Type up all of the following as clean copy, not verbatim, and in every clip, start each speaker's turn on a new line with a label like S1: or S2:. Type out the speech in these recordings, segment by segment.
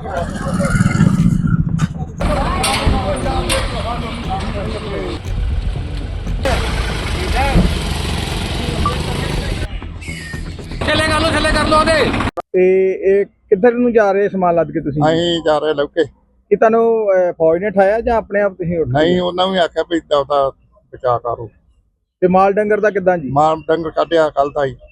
S1: ਥੱਲੇ ਕਰ ਲੋ ਉਹਦੇ।
S2: ਤੇ ਇਹ ਕਿੱਧਰ ਨੂੰ ਜਾ ਰਹੇ ਸਮਾਨ ਲੱਦ ਕੇ ਤੁਸੀਂ?
S3: ਅਸੀਂ ਜਾ ਰਹੇ ਲੌਕੇ।
S2: ਕਿ ਤੁਹਾਨੂੰ ਫੌਜ ਨੇ ਠਾਇਆ ਜਾਂ ਆਪਣੇ ਆਪ ਤੁਸੀਂ ਉੱਠ?
S3: ਨਹੀਂ, ਉਹਨਾਂ ਵੀ ਆਖਿਆ ਵੀ ਦਵਦਾ ਬਚਾ ਕਰੋ।
S2: ਤੇ ਮਾਲ ਡੰਗਰ ਦਾ ਕਿੱਦਾਂ ਜੀ?
S3: ਮਾਲ ਡੰਗਰ ਕੱਢਿਆ ਕੱਲ ਦਾ ਹੀ।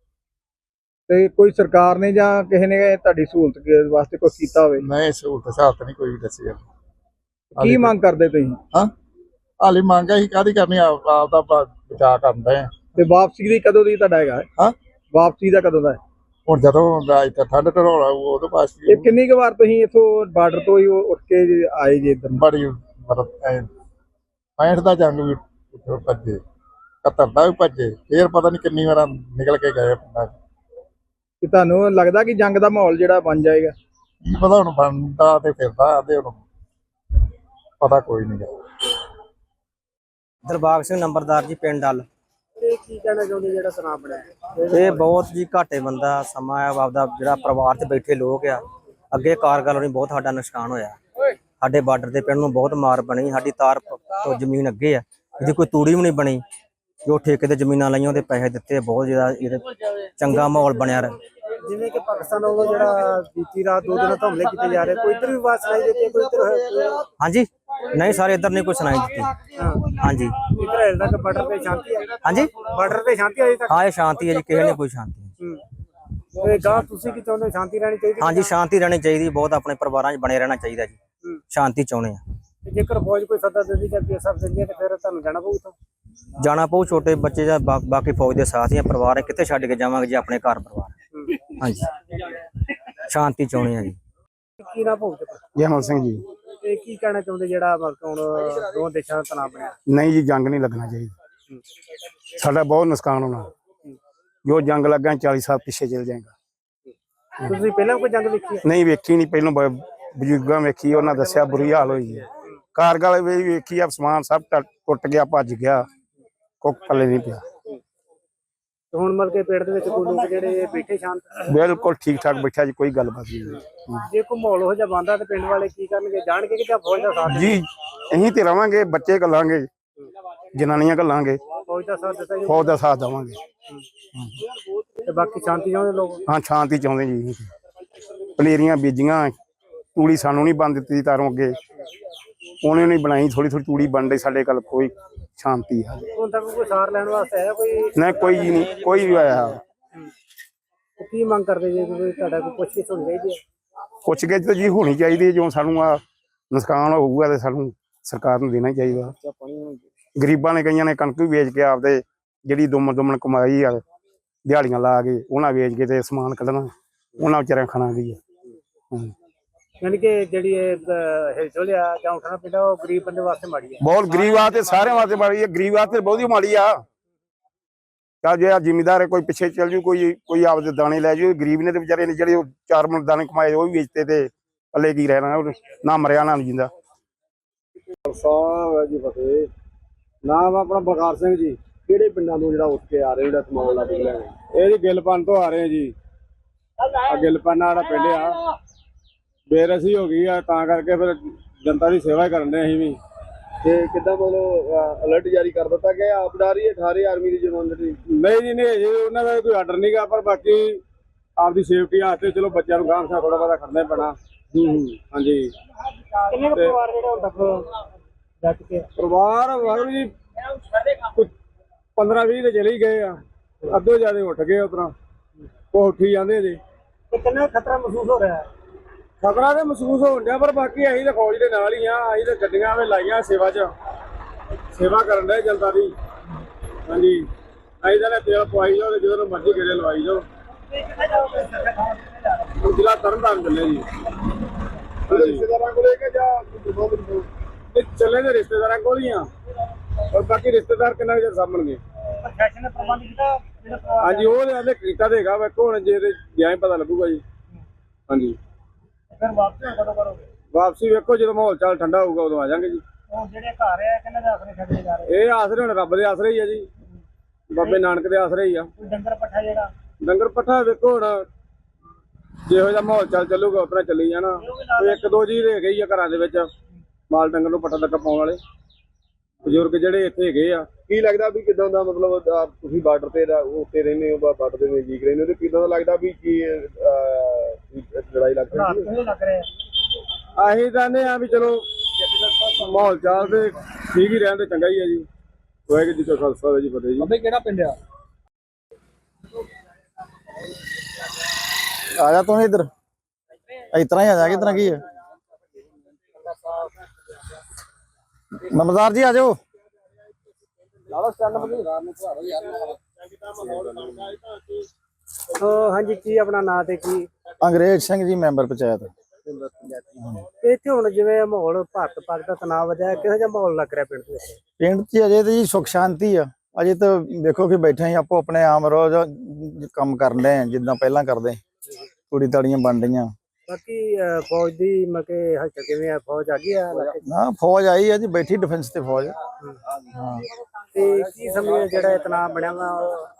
S2: ਤੇ ਕੋਈ ਸਰਕਾਰ ਨੇ ਜਾਂ ਕਿਸੇ ਨੇ ਤੁਹਾਡੀ ਸਹੂਲਤ ਵਾਸਤੇ ਕੁਝ ਕੀਤਾ ਹੋਵੇ?
S3: ਨਹੀਂ, ਸਹੂਲਤ ਸਾਥ ਨਹੀਂ ਕੋਈ ਦੱਸੀ।
S2: ਕੀ ਮੰਗ ਕਰਦੇ ਤੁਸੀਂ?
S3: ਹਾਂ, ਹਾਲੇ ਮੰਗ ਅਸੀਂ ਕਾਹਦੀ ਕਰਨੀ, ਆਪਦਾ ਬਚਾ ਕਰਦੇ ਆ।
S2: ਤੇ ਵਾਪਸੀ ਦੀ ਕਦੋਂ ਦੀ ਤੁਹਾਡਾ ਹੈਗਾ?
S3: ਹਾਂ,
S2: ਵਾਪਸੀ ਦਾ ਕਦੋਂ ਦਾ?
S3: ਹੁਣ ਜਦੋਂ ਇੱਥੇ ਠੰਡ ਢੋਲਾ ਉਦੋਂ ਪਾਸ।
S2: ਇਹ ਕਿੰਨੀ ਕੁ ਵਾਰ ਤੁਸੀਂ ਇੱਥੋਂ ਬਾਰਡਰ ਤੋਂ ਹੀ ਉੱਠ ਕੇ ਆਏ ਜੇ ਇੱਧਰ?
S3: ਬੜੀ ਮਤਲਬ 65 ਦਾ ਜੰਗ ਵੀ ਭੱਜੇ, 71 ਦਾ ਵੀ ਭੱਜੇ, ਫੇਰ ਪਤਾ ਨਹੀਂ ਕਿੰਨੀ ਵਾਰ ਨਿਕਲ ਕੇ ਗਏ ਪਿੰਡਾਂ 'ਚ।
S2: ਕਿ ਤੁਹਾਨੂੰ ਲੱਗਦਾ ਕਿ ਜੰਗ ਦਾ ਮਾਹੌਲ ਜਿਹੜਾ ਬਣ ਜਾਏਗਾ?
S3: ਕੀ ਪਤਾ, ਹੁਣ ਬਣਦਾ ਤੇ ਫਿਰਦਾ ਤੇ ਹੁਣ ਪਤਾ ਕੋਈ ਨਹੀਂ ਗਾ।
S4: ਦਿਲਬਾਗ ਸਿੰਘ ਨੰਬਰਦਾਰ ਜੀ, ਪਿੰਡ ਡੱਲ।
S2: ਇਹ ਕੀ ਕਹਿਣਾ ਚਾਹੁੰਦੇ ਜਿਹੜਾ ਤਣਾਅ ਬਣਿਆ?
S4: ਇਹ ਬਹੁਤ ਜੀ ਘਾਟੇ ਬੰਦਾ ਸਮਾਂ ਆ। ਆਪਦਾ ਜਿਹੜਾ ਪਰਿਵਾਰ 'ਚ ਬੈਠੇ ਲੋਕ ਆ, ਅੱਗੇ ਕਾਰਗਲ ਹੋਣੀ ਬਹੁਤ ਸਾਡਾ ਨੁਕਸਾਨ ਹੋਇਆ। ਸਾਡੇ ਬਾਰਡਰ ਦੇ ਪਿੰਡ ਨੂੰ ਬਹੁਤ ਮਾਰ ਬਣੀ। ਸਾਡੀ ਤਾਰ ਤੋਂ ਜ਼ਮੀਨ ਅੱਗੇ ਆ, ਇਹਦੀ ਕੋਈ ਤੂੜੀ ਵੀ ਨਹੀਂ ਬਣੀ। ਜੋ ਠੇਕੇ ਤੇ ਜ਼ਮੀਨਾਂ ਲਾਈਆਂ ਉਹਦੇ ਪੈਸੇ ਦਿੱਤੇ। ਬਹੁਤ ਜ਼ਿਆਦਾ ਇਹਦੇ ਚੰਗਾ ਮਾਹੌਲ ਬਣਿਆ ਰਿਹਾ।
S2: ਜਿਵੇਂ ਕਿ ਪਾਕਿਸਤਾਨ ਵੱਲੋਂ ਜਿਹੜਾ ਬੀਤੀ ਰਾਤ 2 ਦਿਨਾਂ ਤੋਂ ਹਮਲੇ ਕੀਤੇ ਜਾ ਰਹੇ, ਕੋਈ ਇੱਧਰ ਵੀ ਆਵਾਜ਼ ਸੁਣਾਈ ਦਿੱਤੀ? ਕੋਈ ਇੱਧਰ?
S4: ਹਾਂਜੀ, ਨਹੀਂ ਸਾਰੇ ਇੱਧਰ ਨਹੀਂ ਕੋਈ ਸੁਣਾਈ ਦਿੱਤੀ। ਹਾਂਜੀ,
S2: ਇੱਧਰ ਹਜੇ ਤੱਕ ਬਾਰਡਰ ਤੇ ਸ਼ਾਂਤੀ ਹੈ?
S4: ਹਾਂਜੀ,
S2: ਬਾਰਡਰ ਤੇ ਸ਼ਾਂਤੀ ਅਜੇ ਤੱਕ?
S4: ਹਾਂ, ਇਹ ਸ਼ਾਂਤੀ ਹੈ ਜੀ, ਕਿਸੇ ਨੇ ਕੋਈ ਸ਼ਾਂਤੀ।
S2: ਤੇ ਗਾਂ ਤੁਸੀਂ ਕੀ ਚਾਹੁੰਦੇ? ਸ਼ਾਂਤੀ ਰਹਿਣੀ ਚਾਹੀਦੀ?
S4: ਹਾਂਜੀ, ਸ਼ਾਂਤੀ ਰਹਿਣੀ ਚਾਹੀਦੀ। ਬਹੁਤ ਆਪਣੇ ਪਰਿਵਾਰਾਂ 'ਚ ਬਣੇ ਰਹਿਣਾ ਚਾਹੀਦਾ ਜੀ। ਸ਼ਾਂਤੀ ਚਾਹੁੰਦੇ ਆ।
S2: ਜੇਕਰ ਫੌਜ ਕੋਈ ਸੱਦਾ ਦਿੰਦੀ ਜਾਂ ਪੀਐਸਐਫ ਦਿੰਦੀ ਹੈ ਤੇ ਫਿਰ ਤੁਹਾਨੂੰ ਜਾਣਾ ਪਊ ਇੱਥੋਂ?
S4: ਜਾਣਾ ਪਊ। ਛੋਟੇ ਬੱਚੇ ਜਾਂ ਬਾਕੀ ਫੌਜ ਦੇ ਸਾਥੀਆਂ ਪਰਿਵਾਰ ਹੈ, ਕਿੱਥੇ ਛੱਡ ਕੇ ਜਾਵਾਂਗੇ ਜੀ ਆਪਣੇ ਘਰ ਪਰਿਵਾਰ? ਹਾਂਜੀ, ਸ਼ਾਂਤੀ ਚਾਹੁੰਦੇ ਆ ਜੀ।
S2: ਕੀ ਨਾ ਪਊ?
S5: ਜੈਮਲ ਸਿੰਘ ਜੀ।
S2: ਇਹ ਕੀ ਕਹਿਣਾ ਚਾਹੁੰਦੇ ਜਿਹੜਾ ਹੁਣ ਦੋ ਦੇਸ਼ਾਂ ਦਾ ਤਣਾਅ ਬਣਿਆ?
S5: ਨਹੀਂ ਜੀ, ਜੰਗ ਨਹੀਂ ਲੱਗਣਾ ਚਾਹੀਦਾ। ਸਾਡਾ ਬਹੁਤ ਨੁਕਸਾਨ ਹੋਣਾ। ਜੋ ਜੰਗ ਲੱਗਾ 40 ਸਾਲ ਪਿੱਛੇ ਚਲ ਜਾਏਗਾ।
S2: ਤੁਸੀਂ ਪਹਿਲਾਂ ਕੋਈ ਜੰਗ ਦੇਖੀ ਹੈ?
S5: ਨਹੀਂ ਵੇਖੀ, ਨਹੀਂ ਪਹਿਲਾਂ ਬਜ਼ੁਰਗਾਂ ਵੇਖੀ, ਉਹਨਾਂ ਦੱਸਿਆ ਬੁਰੀ ਹਾਲ ਹੋਈ ਹੈ। ਕਾਰਗਲ ਵੀ ਵੇਖੀ ਆ, ਸਮਾਨ ਸਭ ਟੁੱਟ ਗਿਆ, ਭੱਜ ਗਿਆ, ਕੁੱਖ ਪੱਲੇ ਨਹੀਂ ਪਿਆ।
S2: ਹੁਣ ਮਤਲਬ ਕੇ ਪੇੜ ਦੇ ਵਿੱਚ ਕੋਈ ਲੋਕ ਜਿਹੜੇ ਬੈਠੇ ਸ਼ਾਂਤ?
S5: ਬਿਲਕੁਲ ਠੀਕ ਠਾਕ ਬੈਠਾ ਜੀ, ਕੋਈ ਗੱਲਬਾਤ ਨਹੀਂ।
S2: ਜੇ ਕੋਈ ਮਾਹੌਲ ਹੋ ਜਾ ਬੰਦਾ ਤੇ ਪਿੰਡ ਵਾਲੇ ਕੀ ਕਰਨਗੇ? ਜਾਣਗੇ ਕਿ ਜਾਂ ਫੌਜ ਦਾ ਸਾਥ?
S5: ਜੀ ਅਸੀਂ ਤੇ ਰਵਾਂਗੇ, ਬੱਚੇ ਘੱਲਾਂਗੇ, ਜਨਾਨੀਆਂ ਘੱਲਾਂਗੇ,
S2: ਫੌਜ ਦਾ ਸਾਥ ਦਿੱਤਾ ਜੀ?
S5: ਫੌਜ ਦਾ ਸਾਥ ਦੇਵਾਂਗੇ।
S2: ਤੇ ਬਾਕੀ ਸ਼ਾਂਤੀ ਚਾਹੁੰਦੇ ਲੋਕ?
S5: ਹਾਂ, ਸ਼ਾਂਤੀ ਚਾਹੁੰਦੇ ਜੀ। ਪਲੇਰੀਆਂ ਬੀਜੀਆਂ, ਤੂੜੀ ਸਾਨੂੰ ਨਹੀਂ ਬਣ ਦਿੱਤੀ ਤਾਰੋਂ ਅੱਗੇ, ਉਹਨੇ ਨਹੀਂ ਬਣਾਈ। ਥੋੜੀ ਥੋੜੀ ਤੂੜੀ ਬਣ ਰਹੀ ਸਾਡੇ ਕੋਲ। ਕੋਈ ਸ਼ਾਂਤੀ ਹੈ
S2: ਹੁਣ ਤੱਕ ਕੋਈ ਸਾਰ ਲੈਣ ਵਾਸਤੇ ਆਇਆ ਕੋਈ?
S5: ਨਹੀਂ, ਕੋਈ ਨਹੀਂ, ਕੋਈ ਵੀ ਆਇਆ।
S2: ਕੀ ਮੰਗ ਕਰਦੇ ਜੇ ਤੁਹਾਡਾ ਕੋਈ ਪੁੱਛਗਿੱਛ ਹੋਣੀ ਚਾਹੀਦੀ ਹੈ?
S5: ਪੁੱਛਗਿੱਛ ਤਾਂ ਜੀ ਹੋਣੀ ਚਾਹੀਦੀ ਹੈ। ਜੋ ਸਾਨੂੰ ਆ ਨੁਕਸਾਨ ਹੋਊਗਾ ਤੇ ਸਾਨੂੰ ਸਰਕਾਰ ਨੂੰ ਦੇਣਾ ਚਾਹੀਦਾ। ਗਰੀਬਾਂ ਨੇ ਕਈਆਂ ਨੇ ਕਣਕ ਵੀ ਵੇਚ ਕੇ ਆਪਦੇ ਜਿਹੜੀ ਦੁਮਨ ਕਮਾਈ ਆ, ਦਿਹਾੜੀਆਂ ਲਾ ਕੇ ਉਹਨਾਂ ਵੇਚ ਕੇ ਤੇ ਸਮਾਨ ਕੱਢਣਾ, ਉਹਨਾਂ ਵਿਚਾਰਿਆਂ ਖਾਣਾ ਵੀ ਹੈ।
S2: ਯਾਨੀ ਕਿ ਜਿਹੜੀ ਹਿਲਜੁਲ ਆ ਜਾਂ ਉੱਠਣਾ ਪੈਂਦਾ, ਉਹ ਗਰੀਬ ਬੰਦੇ ਵਾਸਤੇ ਮਾੜੀ ਹੈ।
S5: ਬਹੁਤ ਗਰੀਬ ਆ ਤੇ ਸਾਰਿਆਂ ਵਾਸਤੇ ਮਾੜੀ ਹੈ। ਗਰੀਬ ਵਾਸਤੇ ਬਹੁਤੀ ਮਾੜੀ ਆ। ਤਾਂ ਜੇ ਜ਼ਿਮੀਦਾਰ ਕੋਈ ਪਿੱਛੇ ਚੱਲ ਜੂ, ਕੋਈ ਆਪਦੇ ਦਾਣੇ ਲੈ ਜੂ। ਗਰੀਬ ਨੇ ਤੇ ਵਿਚਾਰੇ ਨੇ ਜਿਹੜੇ 4 ਮਣ ਦਾਣੇ ਕਮਾਏ ਉਹ ਵੀ ਵੇਚਤੇ ਤੇ ਪੱਲੇ ਕੀ ਰਹਿਣਾ? ਨਾ ਮਰਿਆ ਨਾ ਜਿੰਦਾ।
S2: ਸਾਹਿਬ ਜੀ ਫਤਿਹ। ਨਾਮ ਆਪਣਾ ਬਲਕਾਰ ਸਿੰਘ ਜੀ। ਕਿਹੜੇ ਪਿੰਡਾਂ ਤੋਂ ਜਿਹੜਾ ਉੱਠ ਕੇ ਆ ਰਹੇ ਜਿਹੜਾ ਸਮਾਨ ਲੱਦ ਕੇ ਲੈ ਗਏ? ਇਹ ਜੀ ਗਿਲਪਨ ਤੋਂ ਆ ਰਹੇ ਜੀ। ਗਿਲਪਨ ਵਾਲਾ ਪਿੰਡ ਆ, ਬੇਰਸੀ ਹੋ ਗਈ ਆ, ਤਾਂ ਕਰਕੇ ਫਿਰ ਜਨਤਾ ਦੀ ਸੇਵਾ ਕਰਨ ਦੇ ਅਸੀਂ ਵੀ। ਤੇ ਕਿੱਦਾਂ ਮਤਲਬ ਅਲਰਟ ਜਾਰੀ ਕਰ ਦਿੱਤਾ ਗਿਆ? ਆਪ ਡਾਰੀ 18 ਆਰਮੀ ਦੀ ਜਵਾਨਗੀ? ਨਹੀਂ ਜੀ, ਨਹੀਂ ਜੀ, ਉਹਨਾਂ ਦਾ ਕੋਈ ਆਰਡਰ ਨਹੀਂ ਗਾ, ਪਰ ਬਾਕੀ ਆਪਦੀ ਸੇਫਟੀ ਵਾਸਤੇ ਚਲੋ ਬੱਚਿਆਂ ਨੂੰ ਗਾਂਹ ਥੋੜਾ ਬਹੁਤਾ ਕਰਨਾ ਪੈਣਾ। ਹਾਂਜੀ। ਕਿੰਨੇ ਪਰਿਵਾਰ ਜਿਹੜੇ ਹੁਣ ਤੱਕ ਜੱਟ ਕੇ? ਪਰਿਵਾਰ ਵਾਹਿਗੁਰੂ ਜੀ 15-20 ਤੇ ਚਲੇ ਹੀ ਗਏ ਆ, ਅੱਧੋ ਜ਼ਿਆਦਾ ਉੱਠ ਗਏ। ਉਤਰਾ ਉਹ ਉੱਠੀ ਜਾਂਦੇ ਜੀ। ਕਿੰਨਾ ਖਤਰਾ ਮਹਿਸੂਸ ਹੋ ਰਿਹਾ? ਖਤਰਾ ਤੇ ਮਹਿਸੂਸ ਹੋਣ ਡਿਆ, ਪਰ ਬਾਕੀ ਅਸੀਂ ਤਾਂ ਫੌਜ ਦੇ ਨਾਲ ਹੀ ਆ। ਅਸੀਂ ਤਾਂ ਗੱਡੀਆਂ ਵੀ ਲਾਈਆਂ ਸੇਵਾ 'ਚ, ਸੇਵਾ ਕਰਨ ਦੇ ਜਨਤਾ ਦੀ। ਹਾਂਜੀ, ਅਸੀਂ ਤਾਂ ਤੇਲ ਪਵਾਈ ਜਾਓ, ਜਦੋਂ ਮਰਜ਼ੀ ਗੇੜੇ ਲਵਾਈ ਜਾਓ। ਜ਼ਿਲ੍ਹਾ ਤਰਨਤਾਰਨ ਚੱਲੇ ਜੀ। ਰਿਸ਼ਤੇਦਾਰਾਂ ਕੋਲੇ ਕਿ ਜਾਂ ਚੱਲੇ ਦੇ ਰਿਸ਼ਤੇਦਾਰਾਂ ਕੋਲ ਹੀ ਆ, ਪਰ ਬਾਕੀ ਰਿਸ਼ਤੇਦਾਰ ਕਿੰਨਾ ਚਿਰ ਸਾਂਭਣਗੇ? ਪ੍ਰਸ਼ਾਸਨ ਨੇ ਪ੍ਰਬੰਧ ਕੀਤਾ? ਹਾਂਜੀ, ਉਹ ਤੇ ਕੀਤਾ ਤੇ ਹੈਗਾ। ਵੇਖੋ ਹੁਣ ਜੇ ਗਿਆ ਹੀ ਪਤਾ ਲੱਗੂਗਾ ਜੀ। ਹਾਂਜੀ, ਫਿਰ ਵਾਪਸੀ ਕਦੋਂ ਕਰੋਗੇ? ਵਾਪਸੀ ਵੇਖੋ ਜਦੋਂ ਮਾਹੌਲ ਚਾਲ ਠੰਡਾ ਹੋਊਗਾ ਉਦੋਂ ਆ ਜਾਵਾਂਗੇ ਜੀ। ਹੁਣ ਜਿਹੜੇ ਘਰ ਆ ਕਿੰਨੇ ਦੇ ਆਸਰੇ ਛੱਡੇ ਜਾ ਰਹੇ? ਇਹ ਆਸਰੇ ਹੁਣ ਰੱਬ ਦੇ ਆਸਰੇ ਹੀ ਆ ਜੀ, ਬਾਬੇ ਨਾਨਕ ਦੇ ਆਸਰੇ ਹੀ ਆ। ਡੰਗਰ ਪੱਠਾ ਜਿਹੜਾ? ਡੰਗਰ ਪੱਠਾ ਵੇਖੋ ਹੁਣ ਜਿਹੋ ਜਿਹਾ ਮਾਹੌਲ ਚੱਲੂਗਾ ਉਤਨਾ ਚੱਲੀ ਜਾਣਾ। ਕੋਈ ਇੱਕ ਦੋ ਜੀ ਰਹਿ ਗਈ ਆ ਘਰਾਂ ਦੇ ਵਿੱਚ ਮਾਲ ਡੰਗਰ ਨੂੰ ਪੱਟਾ ਤੱਕ ਪਾਉਣ ਵਾਲੇ ਬਜ਼ੁਰਗ ਜਿਹੜੇ ਇੱਥੇ ਹੈਗੇ ਆ। ਕੀ ਲੱਗਦਾ ਵੀ ਕਿਦਾਂ ਦਾ ਮਤਲਬ ਤੁਸੀਂ ਬਾਰਡਰ ਤੇ ਉੱਤੇ ਰਹਿੰਦੇ ਹੋ ਬਾਰਡਰ ਦੇ ਨਜ਼ਦੀਕ ਰਹਿੰਦੇ ਹੋ ਤੇ ਕਿਦਾਂ ਦਾ ਲੱਗਦਾ ਵੀ ਕੀ ਲੜਾਈ ਲੱਗ ਰਹੀ ਹੈ? ਅਸੀਂ ਚਾਹੁੰਦੇ ਆ ਵੀ ਚਲੋ ਮਾਹੌਲ ਚਾਲ ਤੇ ਠੀਕ ਹੀ ਰਹਿਣ ਤੇ ਚੰਗਾ ਹੀ ਹੈ ਜੀ। ਵਾਹਿਗੁਰੂ ਜੀ ਕਾ ਖਾਲਸਾ ਵਾਹਿਗੁਰੂ ਜੀ ਕੀ ਫਤਿਹ ਜੀ।
S1: ਬਾਬੇ ਕਿਹੜਾ ਪਿੰਡ ਆ?
S3: ਆ ਜਾ ਤੂੰ ਇੱਧਰ ਇਸ ਤਰ੍ਹਾਂ ਹੀ ਆ ਜਾ ਕਿ ਤਰ੍ਹਾਂ ਕੀ ਹੈ ਨੰਬਰਦਾਰ ਜੀ ਆ ਜਾਓ।
S1: ਹਾਂਜੀ ਕੀ ਆਪਣਾ ਨਾਂ ਤੇ ਕੀ?
S3: ਅੰਗਰੇਜ਼ ਸਿੰਘ ਜੀ ਮੈਂਬਰ ਪੰਚਾਇਤ।
S1: ਇੱਥੇ ਹੁਣ ਜਿਵੇਂ ਮਾਹੌਲ ਭਾਰਤ ਪਾਕ ਦਾ ਤਣਾਅ ਵਧਿਆ, ਕਿਹੋ ਜਿਹਾ ਮਾਹੌਲ ਲੱਗ ਰਿਹਾ ਪਿੰਡ ਦੇ ਵਿੱਚ?
S3: ਪਿੰਡ 'ਚ ਅਜੇ ਤਾਂ ਜੀ ਸੁੱਖ ਸ਼ਾਂਤੀ ਆ। ਅਜੇ ਤਾਂ ਵੇਖੋ ਕਿ ਬੈਠੇ ਹੀ ਆਪੋ ਆਪਣੇ ਆਮ ਰੋਜ਼ ਕੰਮ ਕਰਨ ਡਏ ਆ ਜਿੱਦਾਂ ਪਹਿਲਾਂ ਕਰਦੇ। ਕੁੜੀ ਤਾੜੀਆਂ ਬਣ ਰਹੀਆਂ।
S1: ਬਾਕੀ ਫੌਜ ਦੀ ਮਕੇ ਹਲਚਲ ਕਿਵੇਂ ਆ? ਫੌਜ ਆ ਗਈ ਆ ਇਲਾਕੇ 'ਚ?
S3: ਨਾ ਫੌਜ ਆਈ ਆ ਜੀ, ਬੈਠੀ ਡਿਫੈਂਸ ਤੇ ਫੌਜ। ਹਾਂ
S1: ਤੇ ਕੀ ਸਮਝੇ ਜਿਹੜਾ ਇਹ ਤਣਾਅ ਬਣਿਆ ਵਾ?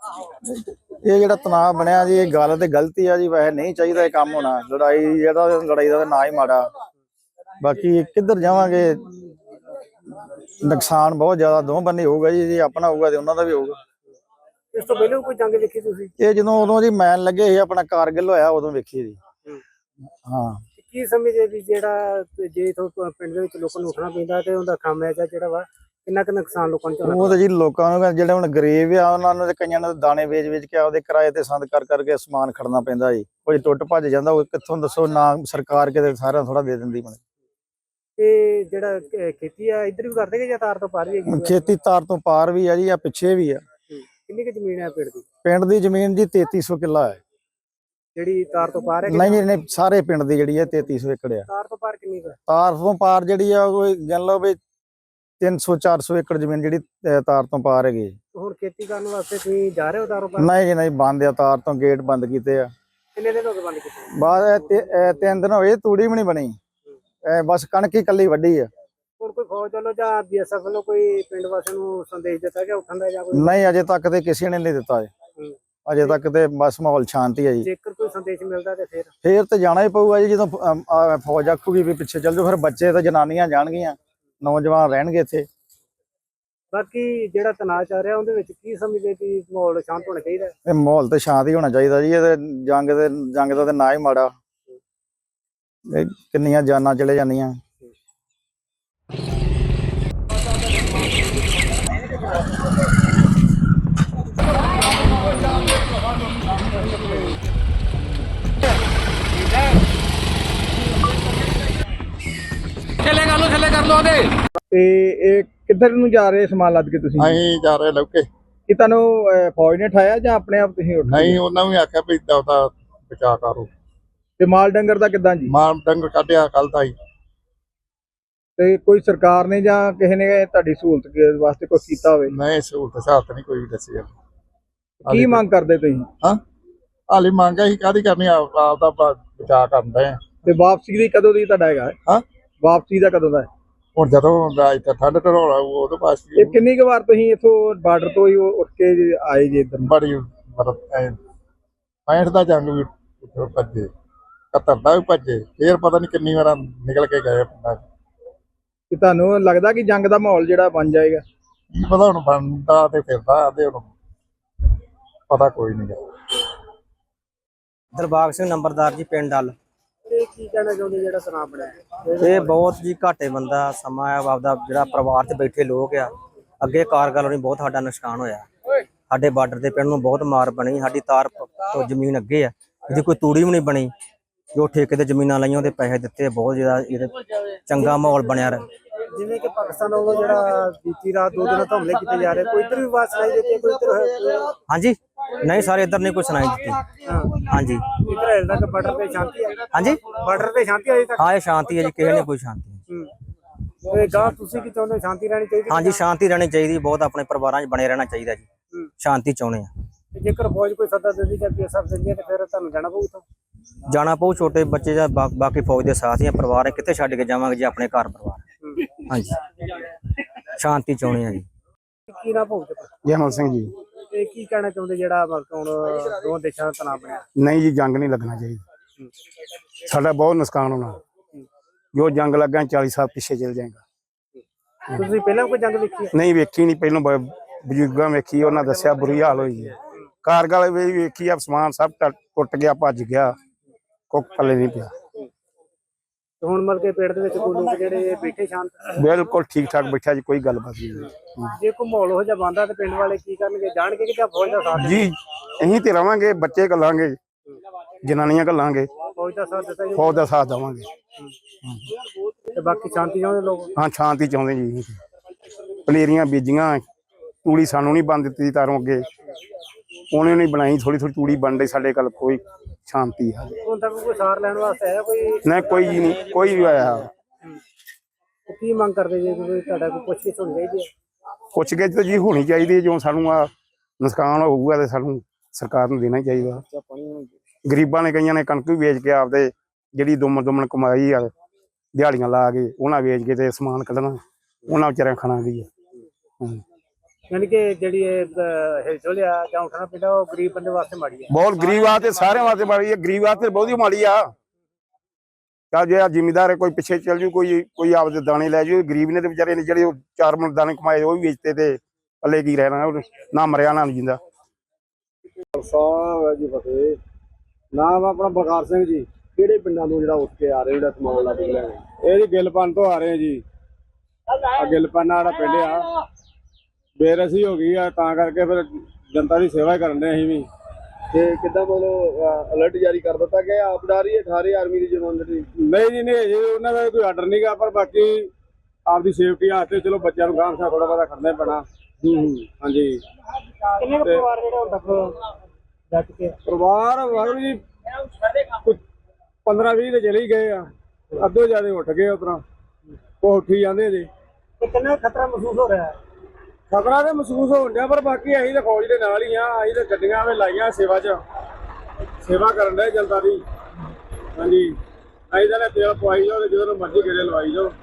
S3: ਇਹ ਜਿਹੜਾ ਤਣਾਅ ਬਣਿਆ ਜੀ, ਇਹ ਗੱਲ ਤੇ ਗਲਤੀ ਆ ਜੀ। ਵੈਸੇ ਨਹੀਂ ਚਾਹੀਦਾ ਇਹ ਕੰਮ ਹੋਣਾ। ਲੜਾਈ ਦਾ ਤਾਂ ਨਾ ਹੀ ਮਾੜਾ। ਬਾਕੀ ਕਿੱਧਰ ਜਾਵਾਂਗੇ, ਨੁਕਸਾਨ ਬਹੁਤ ਜ਼ਿਆਦਾ ਦੋ ਬੰਨੇ ਹੋਊਗਾ ਜੀ। ਜੇ ਆਪਣਾ ਹੋਊਗਾ ਤੇ ਉਹਨਾਂ ਦਾ ਵੀ ਹੋਊਗਾ।
S1: ਇਸ ਤੋਂ ਪਹਿਲਾਂ ਕੋਈ ਜੰਗ ਵੇਖੀ ਤੁਸੀਂ?
S3: ਇਹ ਜਦੋਂ ਉਦੋਂ ਜੀ ਮੈਨ ਲੱਗੇ ਸੀ ਆਪਣਾ ਕਾਰਗਿਲ ਹੋਇਆ ਉਦੋਂ ਵੇਖੀ ਜੀ। ਹਾਂ
S1: ਕੀ ਸਮਝੇ ਵੀ ਜਿਹੜਾ ਜੇ ਇਥੋਂ ਪਿੰਡ ਦੇ ਵਿੱਚ ਲੋਕਾਂ ਨੂੰ ਉੱਠਣਾ ਪੈਂਦਾ ਤੇ ਉਹਦਾ ਖਾਮਿਆਜਾ ਜਿਹੜਾ ਵਾ ਕਿੰਨਾ ਕੁ ਨੁਕਸਾਨ ਲੋਕਾਂ ਨੂੰ ਝੱਲਣਾ?
S3: ਉਹ ਤਾਂ ਜੀ ਲੋਕਾਂ ਨੂੰ ਜਿਹੜੇ ਹੁਣ ਗਰੀਬ ਆ ਉਹਨਾਂ ਨੂੰ ਤੇ ਕਈਆਂ ਨੂੰ ਦਾਣੇ ਵੇਚ ਕੇ ਆਪਦੇ ਕਿਰਾਏ ਤੇ ਸੰਦ ਕਰਕੇ ਸਮਾਨ ਖੜਨਾ ਪੈਂਦਾ ਜੀ। ਕੋਈ ਟੁੱਟ ਭੱਜ ਜਾਂਦਾ, ਉਹ ਕਿੱਥੋਂ ਦੱਸੋ ਨਾ ਸਰਕਾਰ ਕਿਤੇ ਸਾਰਿਆਂ ਥੋੜਾ ਦੇ ਦਿੰਦੀ।
S1: ਤੇ ਜਿਹੜਾ ਖੇਤੀ ਆ ਇੱਧਰ ਵੀ ਕਰਦੇ ਕਿ ਜਾਂ ਤਾਰ ਤੋਂ ਪਾਰ ਵੀ ਹੈਗੀ?
S3: ਖੇਤੀ ਤਾਰ ਤੋਂ ਪਾਰ ਵੀ ਆ ਜੀ, ਆ ਪਿੱਛੇ ਵੀ ਆ।
S1: ਕਿੰਨੀ ਕੁ ਜ਼ਮੀਨ ਹੈ ਪਿੰਡ ਦੀ?
S3: ਪਿੰਡ ਦੀ ਜ਼ਮੀਨ ਜੀ 3300 ਕਿੱਲਾ ਹੈ।
S1: ਜਿਹੜੀ ਤਾਰ ਤੋਂ ਪਾਰ ਹੈ?
S3: ਨਹੀਂ ਸਾਰੇ ਪਿੰਡ ਦੀ ਜਿਹੜੀ ਹੈ 3300 ਏਕੜ ਆ।
S1: ਤਾਰ ਤੋਂ ਪਾਰ ਕਿੰਨੀ ਕੁ?
S3: ਤਾਰ ਤੋਂ ਪਾਰ ਜਿਹੜੀ ਆ ਉਹ ਗਿਣ ਲਓ ਵੀ 300-400 ਏਕੜ ਜ਼ਮੀਨ ਜਿਹੜੀ ਤਾਰ ਤੋਂ ਪਾਰ ਹੈਗੀ।
S1: ਹੁਣ ਖੇਤੀ ਕਰਨ ਵਾਸਤੇ ਤੁਸੀਂ ਜਾ ਰਹੇ ਹੋ ਤਾਰੋਂ ਪਾਰ?
S3: ਨਹੀਂ ਜੀ ਨਹੀਂ, ਬੰਦ ਆ। ਤਾਰ ਤੋਂ ਗੇਟ ਬੰਦ ਕੀਤੇ ਆ।
S1: ਕਿੰਨੇ ਦਿਨ ਹੋ ਗਏ ਬੰਦ ਕੀਤੇ?
S3: ਬਾਅਦ 3 ਦਿਨ ਹੋਏ, ਤੂੜੀ ਵੀ ਨਹੀਂ ਬਣੀ। ਬਸ ਕਣਕ ਹੀ ਕੱਲੀ ਵੱਢੀ ਆ।
S1: ਹੁਣ ਕੋਈ ਫੌਜ ਵੱਲੋਂ ਜਾਂ BSF ਵੱਲੋਂ ਕੋਈ ਪਿੰਡ ਵਾਸੀਆਂ ਨੂੰ ਸੰਦੇਸ਼ ਦਿੱਤਾ ਗਿਆ ਉੱਠਣ ਦਾ ਜਾਂ ਕੋਈ?
S3: ਨਹੀਂ ਅਜੇ ਤੱਕ ਤੇ ਕਿਸੇ ਨੇ ਨਹੀਂ ਦਿੱਤਾ। ਅਜੇ ਤੱਕ ਤੇ ਬਸ ਮਾਹੌਲ ਸ਼ਾਂਤੀ ਹੈ ਜੀ।
S1: ਜੇਕਰ ਕੋਈ ਸੰਦੇਸ਼ ਮਿਲਦਾ ਤੇ
S3: ਫੇਰ ਤੇ ਜਾਣਾ ਹੀ ਪਊਗਾ ਜੀ। ਜਦੋਂ ਫੌਜ ਆਖੂਗੀ ਵੀ ਪਿੱਛੇ ਚੱਲ ਜਾਓ, ਫਿਰ ਬੱਚੇ ਤੇ ਜਨਾਨੀਆਂ ਜਾਣਗੀਆਂ, ਨੌਜਵਾਨ ਰਹਿਣਗੇ ਇੱਥੇ।
S1: ਬਾਕੀ ਜਿਹੜਾ ਤਣਾਅ ਚੱਲ ਰਿਹਾ ਉਹਦੇ ਵਿੱਚ ਕੀ ਸਮਝਦੇ ਕਿ ਮਾਹੌਲ ਸ਼ਾਂਤ ਹੋਣਾ ਚਾਹੀਦਾ?
S3: ਇਹ ਮਾਹੌਲ ਤੇ ਸ਼ਾਂਤ ਹੀ ਹੋਣਾ ਚਾਹੀਦਾ ਜੀ। ਇਹ ਜੰਗ ਦਾ ਤੇ ਨਾ ਹੀ ਮਾੜਾ। ਇਹ ਕਿੰਨੀਆਂ ਜਾਨਾਂ ਚਲੇ ਜਾਂਦੀਆਂ।
S2: ਤੇ ਇਹ ਕਿੱਧਰ ਨੂੰ ਜਾ ਰਹੇ ਸਮਾਨ ਲੱਦ ਕੇ ਤੁਸੀਂ?
S3: ਅਸੀਂ ਜਾ ਰਹੇ ਲੌਕੇ।
S2: ਕਿ ਤੁਹਾਨੂੰ ਫੌਜ ਨੇ ਠਾਇਆ ਜਾਂ ਆਪਣੇ ਆਪ ਤੁਸੀਂ ਉੱਠ?
S3: ਨਹੀਂ, ਉਹਨਾਂ ਵੀ ਆਖਿਆ ਵੀ ਉਹਦਾ ਬਚਾਅ ਕਰੋ।
S2: ਤੇ ਮਾਲ ਡੰਗਰ ਦਾ ਕਿੱਦਾਂ ਜੀ?
S3: ਮਾਲ ਡੰਗਰ ਕੱਢਿਆ ਕੱਲ ਦਾ ਹੀ।
S2: ਤੇ ਕੋਈ ਸਰਕਾਰ ਨੇ ਜਾਂ ਕਿਸੇ ਨੇ ਤੁਹਾਡੀ ਸਹੂਲਤ ਵਾਸਤੇ ਕੁਝ ਕੀਤਾ ਹੋਵੇ?
S3: ਨਹੀਂ, ਸਹੂਲਤ ਸਾਥ ਨਹੀਂ ਕੋਈ ਵੀ ਦੱਸੀ।
S2: ਕੀ ਮੰਗ ਕਰਦੇ ਤੁਸੀਂ?
S3: ਹਾਂ ਹਾਲੇ ਮੰਗ ਅਸੀਂ ਕਾਹਦੀ ਕਰਨੀ, ਆਪ ਦਾ ਬਚਾਅ ਕਰਦੇ ਆ।
S2: ਤੇ ਵਾਪਸੀ ਦੀ ਕਦੋਂ ਦੀ ਤੁਹਾਡਾ ਹੈਗਾ?
S3: ਹਾਂ
S2: ਵਾਪਸੀ ਦਾ ਕਦੋਂ ਦਾ ਹੈ?
S3: ਹੁਣ ਜਦੋਂ ਇੱਥੇ ਠੰਡ ਢੋਲਾ ਉਦੋਂ ਪਾਸ
S2: ਇਹ ਕਿੰਨੀ ਕੁ ਵਾਰ ਤੁਸੀਂ ਇੱਥੋਂ ਬਾਰਡਰ ਤੋਂ ਹੀ ਉੱਠ ਕੇ ਆਏ ਜੀ ਇੱਧਰ?
S3: ਬੜੀ ਮਤਲਬ 65 ਦਾ ਜੰਗ ਵੀ ਭੱਜੇ, 71 ਦਾ ਵੀ ਭੱਜੇ, ਫੇਰ ਪਤਾ ਨਹੀਂ ਕਿੰਨੀ ਵਾਰ ਨਿਕਲ ਕੇ ਗਏ ਪਿੰਡਾਂ 'ਚ।
S2: ਕਿ ਤੁਹਾਨੂੰ ਲੱਗਦਾ ਕਿ ਜੰਗ ਦਾ ਮਾਹੌਲ ਜਿਹੜਾ ਬਣ ਜਾਏਗਾ?
S3: ਕੀ ਪਤਾ ਹੁਣ ਬਣਦਾ ਤੇ ਫਿਰਦਾ ਤੇ ਹੁਣ ਪਤਾ ਕੋਈ ਨਹੀਂ ਗਾ।
S4: ਦਿਲਬਾਗ ਸਿੰਘ ਨੰਬਰਦਾਰ ਜੀ, ਪਿੰਡ ਡੱਲ।
S1: ਤੇ ਕੀ ਕਹਿਣਾ ਚਾਹੁੰਦੇ ਜਿਹੜਾ ਤਣਾਅ ਬਣਿਆ?
S4: ਇਹ ਬਹੁਤ ਜੀ ਘਾਟੇ ਬੰਦਾ ਸਮਾਂ ਆ। ਆਪਦਾ ਜਿਹੜਾ ਪਰਿਵਾਰ 'ਚ ਬੈਠੇ ਲੋਕ ਆ, ਅੱਗੇ ਕਾਰਗਲ ਹੋਣੀ ਬਹੁਤ ਸਾਡਾ ਨੁਕਸਾਨ ਹੋਇਆ। ਸਾਡੇ ਬਾਰਡਰ ਦੇ ਪਿੰਡ ਨੂੰ ਬਹੁਤ ਮਾਰ ਬਣੀ। ਸਾਡੀ ਤਾਰ ਤੋਂ ਜ਼ਮੀਨ ਅੱਗੇ ਆ, ਇਹਦੀ ਕੋਈ ਤੂੜੀ ਵੀ ਨਹੀਂ ਬਣੀ। ਜੋ ਠੇਕੇ ਤੇ ਜ਼ਮੀਨਾਂ ਲਾਈਆਂ ਉਹਦੇ ਪੈਸੇ ਦਿੱਤੇ। ਬਹੁਤ ਜ਼ਿਆਦਾ ਇਹਦੇ ਚੰਗਾ ਮਾਹੌਲ ਬਣਿਆ ਰਿਹਾ।
S1: ਜਿਵੇਂ ਕਿ ਪਾਕਿਸਤਾਨ ਵੱਲੋਂ ਜਿਹੜਾ ਬੀਤੀ ਰਾਤ 2 ਦਿਨਾਂ ਤੋਂ ਹਮਲੇ ਕੀਤੇ ਜਾ ਰਹੇ, ਕੋਈ ਇੱਧਰ ਵੀ ਆਵਾਜ਼ ਸੁਣਾਈ ਦਿੱਤੀ? ਕੋਈ ਇੱਧਰ?
S4: ਹਾਂਜੀ ਨਹੀਂ, ਸਾਰੇ ਇੱਧਰ ਨਹੀਂ ਕੋਈ ਸੁਣਾਈ ਦਿੱਤੀ। ਹਾਂਜੀ
S1: ਇੱਧਰ ਹਜੇ ਤੱਕ ਬਾਰਡਰ ਤੇ ਸ਼ਾਂਤੀ ਹੈ?
S4: ਹਾਂਜੀ
S1: ਬਾਰਡਰ ਤੇ ਸ਼ਾਂਤੀ ਅਜੇ ਤੱਕ?
S4: ਹਾਂ, ਇਹ ਸ਼ਾਂਤੀ ਹੈ ਜੀ, ਕਿਸੇ ਨੇ ਕੋਈ ਸ਼ਾਂਤੀ ਨਹੀਂ।
S1: ਤੇ ਗਾਂ ਤੁਸੀਂ ਕੀ ਚਾਹੁੰਦੇ? ਸ਼ਾਂਤੀ ਰਹਿਣੀ ਚਾਹੀਦੀ?
S4: ਹਾਂਜੀ, ਸ਼ਾਂਤੀ ਰਹਿਣੀ ਚਾਹੀਦੀ। ਬਹੁਤ ਆਪਣੇ ਪਰਿਵਾਰਾਂ 'ਚ ਬਣੇ ਰਹਿਣਾ ਚਾਹੀਦਾ ਜੀ। ਸ਼ਾਂਤੀ ਚਾਹੁੰਦੇ ਆ।
S1: ਤੇ ਜੇਕਰ ਫੌਜ ਕੋਈ ਸੱਦਾ ਦਿੰਦੀ ਜਾਂ BSF ਦਿੰਦੀ ਹੈ ਤੇ ਫਿਰ ਤੁਹਾਨੂੰ ਜਾਣਾ ਪਊ ਇੱਥੋਂ?
S4: ਜਾਣਾ ਪਊ। ਛੋਟੇ ਬੱਚੇ ਜਾਂ ਬਾਕੀ ਫੌਜ ਦੇ ਸਾਥ ਜਾਂ ਪਰਿਵਾਰ ਹੈ, ਕਿੱਥੇ ਛੱਡ ਕੇ ਜਾਵਾਂਗੇ ਜੀ ਆਪਣੇ ਘਰ ਪਰਿਵਾਰ? ਹਾਂਜੀ, ਸ਼ਾਂਤੀ ਚਾਹੁੰਦੇ ਆ ਜੀ।
S1: ਕੀ ਨਾ ਪਊ?
S5: ਜੈਮਲ ਸਿੰਘ ਜੀ।
S1: ਤੇ ਕੀ ਕਹਿਣਾ ਚਾਹੁੰਦੇ ਜਿਹੜਾ ਹੁਣ ਦੋ ਦੇਸ਼ਾਂ ਦਾ ਤਣਾਅ ਬਣਿਆ?
S5: ਨਹੀਂ ਜੀ, ਜੰਗ ਨਹੀਂ ਲੱਗਣਾ ਚਾਹੀਦਾ। ਸਾਡਾ ਬਹੁਤ ਨੁਕਸਾਨ ਹੋਣਾ। ਜੋ ਜੰਗ ਲੱਗਾ 40 ਸਾਲ ਪਿੱਛੇ ਚਲ ਜਾਏਗਾ।
S1: ਤੁਸੀਂ ਪਹਿਲਾਂ ਕੋਈ ਜੰਗ ਦੇਖੀ ਹੈ?
S5: ਨਹੀਂ ਵੇਖੀ ਨਹੀਂ, ਪਹਿਲੋਂ ਬਜ਼ੁਰਗਾਂ ਵੇਖੀ, ਉਹਨਾਂ ਦੱਸਿਆ ਬੁਰੀ ਹਾਲ ਹੋਈ ਹੈ। ਕਾਰਗਲ ਵੀ ਵੇਖੀ ਆ, ਸਮਾਨ ਸਭ ਟੁੱਟ ਗਿਆ, ਭੱਜ ਗਿਆ, ਕੁੱਖ ਪੱਲੇ ਨਹੀਂ ਪਿਆ।
S1: ਤੇ ਹੁਣ ਮਤਲਬ ਕਿ ਪਿੰਡ ਦੇ ਵਿੱਚ ਕੋਈ ਲੋਕ ਜਿਹੜੇ ਬੈਠੇ ਸ਼ਾਂਤ,
S5: ਬਿਲਕੁਲ ਠੀਕ ਠਾਕ ਬੈਠਾ ਜੀ, ਕੋਈ ਗੱਲਬਾਤ ਨਹੀਂ
S1: ਜੇ ਕੋਈ ਮਾਹੌਲ ਹੋ ਜਾ ਬੰਦਾ ਤੇ ਪਿੰਡ ਵਾਲੇ ਕੀ ਕਰਨਗੇ? ਜਾਣਗੇ ਕਿ ਜਾਂ ਫੌਜ ਦਾ ਸਾਥ
S5: ਜੀ। ਅਸੀਂ ਤੇ ਰਵਾਂਗੇ, ਬੱਚੇ ਘੱਲਾਂਗੇ, ਜਨਾਨੀਆਂ ਘੱਲਾਂਗੇ,
S1: ਫੌਜ ਦਾ ਸਾਥ ਦਿੱਤਾ ਜੀ
S5: ਫੌਜ ਦਾ ਸਾਥ ਦੇਵਾਂਗੇ।
S1: ਤੇ ਬਾਕੀ ਸ਼ਾਂਤੀ ਚਾਹੁੰਦੇ ਲੋਕ?
S5: ਹਾਂ, ਸ਼ਾਂਤੀ ਚਾਹੁੰਦੇ ਜੀ। ਪਲੇਰੀਆਂ ਬੀਜੀਆਂ, ਤੂੜੀ ਸਾਨੂੰ ਨਹੀਂ ਬੰਦ ਦਿੱਤੀ ਤਾਰੋਂ ਅੱਗੇ, ਉਹਨੇ ਨਹੀਂ ਬਣਾਈ, ਥੋੜੀ ਥੋੜੀ ਤੂੜੀ ਬਣ ਰਹੀ ਸਾਡੇ ਕੋਲ। ਕੋਈ ਸ਼ਾਂਤੀ ਹੈ
S1: ਹੁਣ ਤੱਕ ਕੋਈ ਸਾਰ ਲੈਣ ਵਾਸਤੇ ਆਇਆ ਕੋਈ?
S5: ਨਾ, ਕੋਈ ਜੀ ਨਹੀਂ, ਕੋਈ ਵੀ ਆਇਆ।
S1: ਤੇ ਕੀ ਮੰਗ ਕਰਦੇ ਜੇ ਕੋਈ ਤੁਹਾਡਾ ਕੋਈ ਪੁੱਛਗਿੱਛ ਹੋਣੀ ਚਾਹੀਦੀ ਹੈ?
S5: ਪੁੱਛ ਕੇ ਤਾਂ ਜੀ ਹੋਣੀ ਚਾਹੀਦੀ ਹੈ। ਜੋ ਸਾਨੂੰ ਆ ਨੁਕਸਾਨ ਹੋਊਗਾ ਤੇ ਸਾਨੂੰ ਸਰਕਾਰ ਨੂੰ ਦੇਣਾ ਹੀ ਚਾਹੀਦਾ। ਗਰੀਬਾਂ ਨੇ, ਕਈਆਂ ਨੇ ਕਣਕ ਵੀ ਵੇਚ ਕੇ ਆਪਦੇ ਜਿਹੜੀ ਦੁਮਨ ਕਮਾਈ ਆ, ਦਿਹਾੜੀਆਂ ਲਾ ਕੇ ਉਹਨਾਂ ਵੇਚ ਕੇ ਤੇ ਸਮਾਨ ਕੱਢਣਾ, ਉਹਨਾਂ ਵਿਚਾਰਿਆਂ ਖਾਣਾ ਵੀ ਆ।
S1: ਯਾਨੀ ਕਿ ਜਿਹੜੀ ਇਹ ਹਿਲਜੁਲ ਆ ਜਾਂ ਉੱਠਣਾ ਪੈਂਦਾ, ਉਹ ਗਰੀਬ ਬੰਦੇ ਵਾਸਤੇ ਮਾੜੀ ਹੈ।
S5: ਬਹੁਤ ਗਰੀਬ ਆ ਤੇ ਸਾਰਿਆਂ ਵਾਸਤੇ ਮਾੜੀ ਆ। ਗਰੀਬ ਵਾਸਤੇ ਬਹੁਤੀ ਮਾੜੀ ਆ। ਤਾਂ ਜੇ ਜ਼ਿਮੀਦਾਰ ਹੈ, ਕੋਈ ਪਿੱਛੇ ਚੱਲ ਜੂ, ਕੋਈ ਆਪਦੇ ਦਾਣੇ ਲੈ ਜੂ। ਗਰੀਬ ਨੇ ਤੇ ਵਿਚਾਰੇ ਨੇ ਜਿਹੜੇ 4 ਮਣ ਦਾਣੇ ਕਮਾਏ ਉਹ ਵੀ ਵੇਚਤੇ, ਤੇ ਪੱਲੇ ਕੀ ਰਹਿਣਾ, ਨਾ ਮਰਿਆ ਨਾ ਜਿੰਦਾ।
S2: ਸਾਹਿਬ ਜੀ ਫਤਿਹ। ਨਾਮ ਆਪਣਾ ਬਲਕਾਰ ਸਿੰਘ ਜੀ। ਕਿਹੜੇ ਪਿੰਡਾਂ ਤੋਂ ਜਿਹੜਾ ਉੱਠ ਕੇ ਆ ਰਹੇ, ਜਿਹੜਾ ਸਮਾਨ ਲੱਗ ਲਿਆ? ਇਹ ਜੀ ਗਿੱਲਪਨ ਤੋਂ ਆ ਰਹੇ ਜੀ। ਆ ਗਿੱਲਪਨ ਜਿਹੜਾ ਪਿੰਡ ਆ, ਬੇਰਸੀ ਹੋ ਗਈ ਆ, ਤਾਂ ਕਰਕੇ ਫਿਰ ਜਨਤਾ ਦੀ ਸੇਵਾ ਹੀ ਕਰਨ ਦੇ ਅਸੀਂ ਵੀ। ਤੇ ਕਿੱਦਾਂ ਮਤਲਬ ਅਲਰਟ ਜਾਰੀ ਕਰ ਦਿੱਤਾ ਗਿਆ? ਆਪ ਡਾਰੀ 18 ਆਰਮੀ ਦੀ ਜਵਾਨ ਜਿਹੜੀ? ਨਹੀਂ ਜੀ, ਨਹੀਂ ਜੀ, ਉਹਨਾਂ ਦਾ ਕੋਈ ਆਰਡਰ ਨਹੀਂਗਾ, ਪਰ ਬਾਕੀ ਆਪਦੀ ਸੇਫਟੀ ਵਾਸਤੇ ਚਲੋ ਬੱਚਿਆਂ ਨੂੰ ਗਾਂਹ ਥੋੜਾ ਬਹੁਤਾ ਕਰਨਾ ਹੀ ਪੈਣਾ। ਹਾਂਜੀ।
S1: ਕਿੰਨੇ ਕੁ ਪਰਿਵਾਰ ਜਿਹੜੇ ਹੁਣ ਤੱਕ ਜਾ ਚੁੱਕੇ ਆ?
S2: ਪਰਿਵਾਰ ਵਾਂਗ ਜੀ 15-20 ਤੇ ਚਲੇ ਹੀ ਗਏ ਆ, ਅੱਧੋ ਜਿਆਦੇ ਉੱਠ ਗਏ ਉਤਰਾ, ਉਹ ਉੱਠੀ ਜਾਂਦੇ ਜੀ।
S1: ਤੇ ਕਿੰਨਾ ਖਤਰਾ ਮਹਿਸੂਸ ਹੋ ਰਿਹਾ ਹੈ?
S2: ਖਤਰਾ ਤੇ ਮਹਿਸੂਸ ਹੋਣ ਡਿਆ, ਪਰ ਬਾਕੀ ਅਸੀਂ ਤਾਂ ਫੌਜ ਦੇ ਨਾਲ ਹੀ ਆ। ਅਸੀਂ ਤਾਂ ਗੱਡੀਆਂ ਵੀ ਲਾਈਆਂ ਸੇਵਾ 'ਚ, ਸੇਵਾ ਕਰਨ ਦੇ ਜਨਤਾ ਦੀ। ਹਾਂਜੀ, ਅਸੀਂ ਤਾਂ ਤੇਲ ਪਵਾਈ ਜਾਓ ਤੇ ਜਦੋਂ ਮਰਜ਼ੀ ਗੇੜੇ ਲਵਾਈ ਜਾਓ।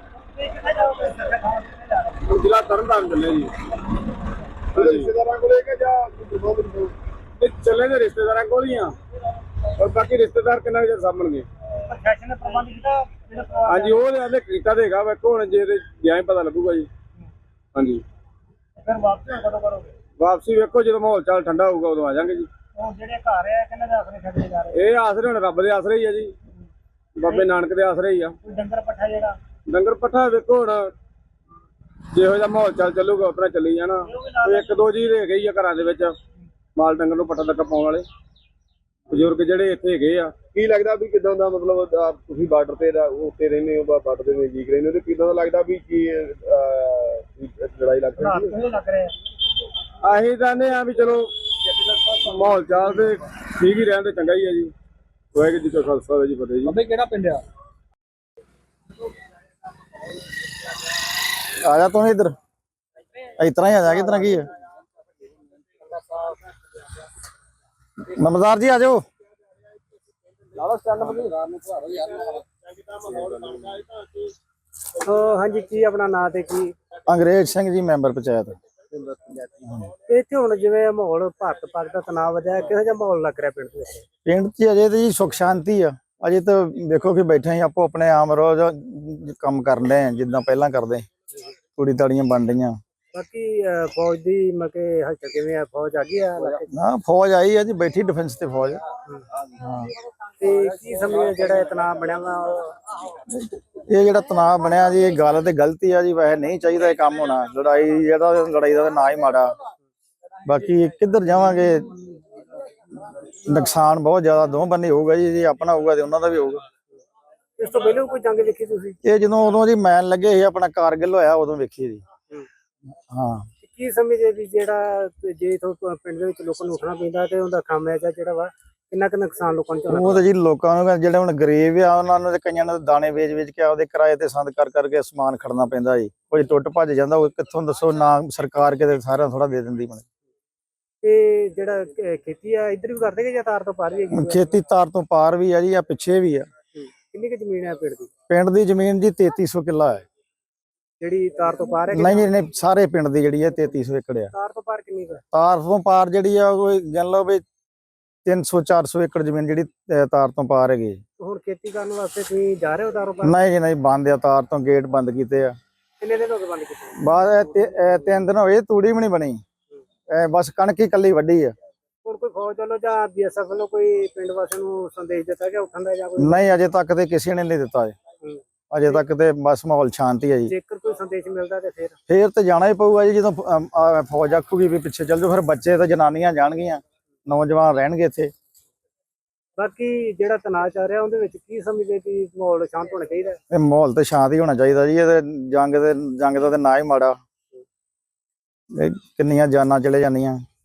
S2: ਜ਼ਿਲ੍ਹਾ ਤਰਨਤਾਰਨ ਚੱਲੇ ਜੀ। ਰਿਸ਼ਤੇਦਾਰਾਂ ਕੋਲੇ ਕਿ ਜਾਂ ਚੱਲੇ ਦੇ ਰਿਸ਼ਤੇਦਾਰਾਂ ਕੋਲ ਹੀ ਆ, ਪਰ ਬਾਕੀ ਰਿਸ਼ਤੇਦਾਰ ਕਿੰਨਾ ਚਿਰ ਸਾਂਭਣਗੇ?
S1: ਪ੍ਰਸ਼ਾਸਨ ਨੇ ਪ੍ਰਬੰਧ ਕੀਤਾ?
S2: ਹਾਂਜੀ, ਉਹ ਤੇ ਕੀਤਾ ਤੇ ਹੈਗਾ, ਵੇਖੋ ਹੁਣ ਜੇ ਤੇ ਗਿਆ ਹੀ ਪਤਾ ਲੱਗੂਗਾ ਜੀ। ਹਾਂਜੀ,
S1: ਫਿਰ ਵਾਪਸ ਕਦੋਂ ਕਰੋਗੇ?
S2: ਵਾਪਸੀ ਵੇਖੋ ਜਦੋਂ ਮਾਹੌਲ ਚਾਲ ਠੰਡਾ ਹੋਊਗਾ ਉਦੋਂ ਆ ਜਾਾਂਗੇ ਜੀ।
S1: ਹੁਣ ਜਿਹੜੇ ਘਰ ਆ ਕਿੰਨਾ ਦੇ ਆਸਰੇ ਛੱਡੇ ਜਾ ਰਹੇ?
S2: ਇਹ ਆਸਰੇ ਹੁਣ ਰੱਬ ਦੇ ਆਸਰੇ ਹੀ ਆ ਜੀ, ਬਾਬੇ ਨਾਨਕ ਦੇ ਆਸਰੇ ਹੀ ਆ।
S1: ਕੋਈ ਡੰਗਰ ਪੱਠਾ ਜਿਹੜਾ?
S2: ਡੰਗਰ ਪੱਠਾ ਵੇਖੋ ਹੁਣ ਜਿਹੋ ਜਿਹਾ ਮਾਹੌਲ ਚਾਲ ਚੱਲੂਗਾ ਉਸ ਤਰ੍ਹਾਂ ਚੱਲੀ ਜਾਣਾ। ਕੋਈ 1-2 ਜੀ ਰਹਿ ਗਈ ਆ ਘਰਾਂ ਦੇ ਵਿੱਚ ਮਾਲ ਡੰਗਰ ਨੂੰ ਪੱਠਾ ਤੱਕ ਪਾਉਣ ਵਾਲੇ ਬਜ਼ੁਰਗ ਜਿਹੜੇ ਇੱਥੇ ਹੈਗੇ ਆ। ਕੀ ਲੱਗਦਾ ਵੀ ਕਿਦਾਂ ਦਾ, ਮਤਲਬ ਤੁਸੀਂ ਬਾਰਡਰ ਤੇ ਉੱਤੇ ਰਹਿੰਦੇ ਹੋ, ਬਾਰਡਰ ਦੇ ਨਜ਼ਦੀਕ ਰਹਿੰਦੇ ਹੋ, ਤੇ ਕਿਦਾਂ ਦਾ ਲੱਗਦਾ ਵੀ ਕੀ ਲੜਾਈ ਲੱਗ ਰਹੀ ਹੈ?
S1: ਲੱਗ ਰਿਹਾ
S2: ਅਸੀਂ ਚਾਹੁੰਦੇ ਆ ਵੀ ਚਲੋ ਮਾਹੌਲ ਚਾਲ ਤੇ ਠੀਕ ਹੀ ਰਹਿਣ ਤੇ ਚੰਗਾ ਹੀ ਹੈ ਜੀ। ਵਾਹਿਗੁਰੂ ਜੀ ਕਾ ਖਾਲਸਾ ਵਾਹਿਗੁਰੂ ਜੀ ਕੀ ਫਤਿਹ ਜੀ।
S1: ਬਾਬੇ ਕਿਹੜਾ ਪਿੰਡ ਆ?
S3: ਆ ਜਾ ਤੂੰ ਇੱਧਰ, ਇਸ ਤਰ੍ਹਾਂ ਹੀ ਆ ਜਾ। ਕਿਸ ਤਰ੍ਹਾਂ ਕੀ ਹੈ? ਨਮਸਕਾਰ ਜੀ, ਆ ਜਾਓ।
S1: ਹਾਂਜੀ, ਕੀ ਆਪਣਾ ਨਾਂ ਤੇ ਕੀ?
S3: ਅੰਗਰੇਜ਼ ਸਿੰਘ ਜੀ, ਮੈਂਬਰ ਪੰਚਾਇਤ।
S1: ਇੱਥੇ ਹੁਣ ਜਿਵੇਂ ਮਾਹੌਲ ਭਾਰਤ ਪਾਕ ਦਾ ਤਣਾਅ ਵਧਿਆ, ਕਿਹੋ ਜਿਹਾ ਮਾਹੌਲ ਲੱਗ ਰਿਹਾ ਪਿੰਡ ਦੇ ਵਿੱਚ?
S3: ਪਿੰਡ 'ਚ ਅਜੇ ਤਾਂ ਜੀ ਸੁੱਖ ਸ਼ਾਂਤੀ ਆ। ਅਜੇ ਤਾਂ ਵੇਖੋ ਕਿ ਬੈਠੇ ਹੀ ਆਪੋ ਆਪਣੇ ਆਮ ਰੋਜ਼ ਕੰਮ ਕਰਨ ਦੇ ਜਿੱਦਾਂ ਪਹਿਲਾਂ ਕਰਦੇ, ਤੂੜੀ ਤਾੜੀਆਂ ਬਣ ਰਹੀਆਂ।
S1: ਬਾਕੀ ਫੌਜ ਦੀ ਮਕੇ ਹਲਚਲ ਕਿਵੇਂ ਆ? ਫੌਜ ਆ ਗਈ ਆ ਇਲਾਕੇ 'ਚ?
S3: ਨਾ, ਫੌਜ ਆਈ ਆ ਜੀ, ਬੈਠੀ ਡਿਫੈਂਸ ਤੇ ਫੌਜ। ਹਾਂ,
S1: ਤੇ ਕੀ ਸਮਝੇ ਜਿਹੜਾ ਇਹ ਤਣਾਅ ਬਣਿਆ ਵਾ?
S3: ਇਹ ਜਿਹੜਾ ਤਣਾਅ ਬਣਿਆ ਜੀ, ਇਹ ਗੱਲ ਤੇ ਗਲਤੀ ਆ ਜੀ। ਵੈਸੇ ਨਹੀਂ ਚਾਹੀਦਾ ਇਹ ਕੰਮ ਹੋਣਾ। ਲੜਾਈ ਦਾ ਤਾਂ ਨਾ ਹੀ ਮਾੜਾ। ਬਾਕੀ ਕਿੱਧਰ ਜਾਵਾਂਗੇ, ਨੁਕਸਾਨ ਬਹੁਤ ਜ਼ਿਆਦਾ ਦੋ ਬੰਨੇ ਹੋਊਗਾ ਜੀ। ਜੇ ਆਪਣਾ ਹੋਊਗਾ ਤੇ ਉਹਨਾਂ ਦਾ ਵੀ ਹੋਊਗਾ।
S1: ਇਸ ਤੋਂ ਪਹਿਲਾਂ ਕੋਈ ਜੰਗ ਵੇਖੀ ਤੁਸੀਂ?
S3: ਇਹ ਜਦੋਂ ਉਦੋਂ ਜੀ ਮੈਨ ਲੱਗੇ ਸੀ, ਆਪਣਾ ਕਾਰਗਿਲ ਹੋਇਆ, ਉਦੋਂ ਵੇਖੀ ਜੀ। ਹਾਂ,
S1: ਕੀ ਸਮਝੇ ਵੀ ਜਿਹੜਾ ਜੇ ਇਥੋਂ ਪਿੰਡ ਦੇ ਵਿੱਚ ਲੋਕਾਂ ਨੂੰ ਉੱਠਣਾ ਪੈਂਦਾ ਤੇ ਉਹਦਾ ਖਾਮਿਆਜਾ ਜਿਹੜਾ ਵਾ ਕਿੰਨਾ ਕੁ ਨੁਕਸਾਨ ਲੋਕਾਂ ਨੂੰ ਝੱਲਣਾ?
S3: ਉਹ ਤਾਂ ਜੀ ਲੋਕਾਂ ਨੂੰ, ਜਿਹੜੇ ਹੁਣ ਗਰੀਬ ਆ, ਉਹਨਾਂ ਨੂੰ ਤੇ ਕਈਆਂ ਨੂੰ ਦਾਣੇ ਵੇਚ ਕੇ ਆਪਦੇ ਕਿਰਾਏ ਤੇ ਸੰਦ ਕਰਕੇ ਸਮਾਨ ਖੜਨਾ ਪੈਂਦਾ ਜੀ। ਕੋਈ ਟੁੱਟ ਭੱਜ ਜਾਂਦਾ, ਉਹ ਕਿੱਥੋਂ ਦੱਸੋ? ਨਾ ਸਰਕਾਰ ਕਿਤੇ ਸਾਰਿਆਂ ਥੋੜਾ ਦੇ ਦਿੰਦੀ।
S1: ਤੇ ਜਿਹੜਾ ਖੇਤੀ ਆ ਇੱਧਰ ਵੀ ਕਰਦੇ ਕਿ ਜਾਂ ਤਾਰ ਤੋਂ ਪਾਰ ਵੀ ਹੈਗੀ?
S3: ਖੇਤੀ ਤਾਰ ਤੋਂ ਪਾਰ ਵੀ ਆ ਜੀ, ਆ ਪਿੱਛੇ ਵੀ ਆ।
S1: ਕਿੰਨੀ ਕੁ ਜ਼ਮੀਨ ਹੈ ਪਿੰਡ ਦੀ?
S3: ਪਿੰਡ ਦੀ ਜ਼ਮੀਨ ਜੀ 3300 ਕਿੱਲਾ ਹੈ।
S1: ਜਿਹੜੀ ਤਾਰ ਤੋਂ ਪਾਰ ਹੈ?
S3: ਨਹੀਂ, ਸਾਰੇ ਪਿੰਡ ਦੀ ਜਿਹੜੀ ਹੈ 3300 ਏਕੜ ਆ।
S1: ਤਾਰ ਤੋਂ ਪਾਰ ਕਿੰਨੀ ਕੁ?
S3: ਤਾਰ ਤੋਂ ਪਾਰ ਜਿਹੜੀ ਆ, ਉਹ ਗਿਣ ਲਓ ਵੀ 300-400 ਏਕੜ ਜ਼ਮੀਨ ਜਿਹੜੀ ਤਾਰ ਤੋਂ ਪਾਰ ਹੈਗੀ।
S1: ਹੁਣ ਖੇਤੀ ਕਰਨ ਵਾਸਤੇ ਤੁਸੀਂ ਜਾ ਰਹੇ ਹੋ ਕਾਰੋਬਾਰ?
S3: ਨਹੀਂ ਜੀ ਨਹੀਂ, ਬੰਦ ਆ, ਤਾਰ ਤੋਂ ਗੇਟ ਬੰਦ ਕੀਤੇ ਆ।
S1: ਕਿੰਨੇ ਦਿਨ ਹੋ ਗਏ ਬੰਦ ਕੀਤੇ?
S3: ਬਾਅਦ 3 ਦਿਨ ਹੋਏ, ਤੂੜੀ ਵੀ ਨਹੀਂ ਬਣੀ, ਬਸ ਕਣਕ ਹੀ ਕੱਲੀ ਵੱਢੀ ਆ।
S1: ਹੁਣ ਕੋਈ ਫੌਜ ਵੱਲੋਂ ਜਾਂ BSF ਵੱਲੋਂ ਕੋਈ ਪਿੰਡ ਵਾਸੀਆਂ ਨੂੰ ਸੰਦੇਸ਼ ਦਿੱਤਾ ਗਿਆ ਉੱਠਣ ਦਾ ਜਾਂ ਕੋਈ?
S3: ਨਹੀਂ, ਅਜੇ ਤੱਕ ਤੇ ਕਿਸੇ ਨੇ ਨਹੀਂ ਦਿੱਤਾ ਜੀ। ਅਜੇ ਤੱਕ ਤੇ ਬਸ ਮਾਹੌਲ ਸ਼ਾਂਤੀ ਹੈ ਜੀ।
S1: ਜੇਕਰ ਕੋਈ ਸੰਦੇਸ਼ ਮਿਲਦਾ ਤੇ ਫਿਰ
S3: ਫੇਰ ਤੇ ਜਾਣਾ ਹੀ ਪਊਗਾ ਜੀ, ਜਦੋਂ ਫੌਜ ਆਖੂਗੀ ਵੀ ਪਿੱਛੇ ਚੱਲ ਜਾਓ, ਫਿਰ ਬੱਚੇ ਤੇ ਜਨਾਨੀਆਂ ਜਾਣਗੀਆਂ, ਨੌਜਵਾਨ ਰਹਿਣਗੇ ਇੱਥੇ।
S1: ਬਾਕੀ ਜਿਹੜਾ ਤਣਾਅ ਚੱਲ ਰਿਹਾ ਉਹਦੇ ਵਿੱਚ ਕੀ ਸਮਝਦੇ ਕਿ ਮਾਹੌਲ ਸ਼ਾਂਤ ਹੋਣਾ ਚਾਹੀਦਾ?
S3: ਇਹ ਮਾਹੌਲ ਤੇ ਸ਼ਾਂਤ ਹੀ ਹੋਣਾ ਚਾਹੀਦਾ ਜੀ। ਇਹ ਜੰਗ ਦਾ ਤੇ ਨਾ ਹੀ ਮਾੜਾ, ਇਹ ਕਿੰਨੀਆਂ ਜਾਨਾਂ ਚਲੇ ਜਾਂਦੀਆਂ।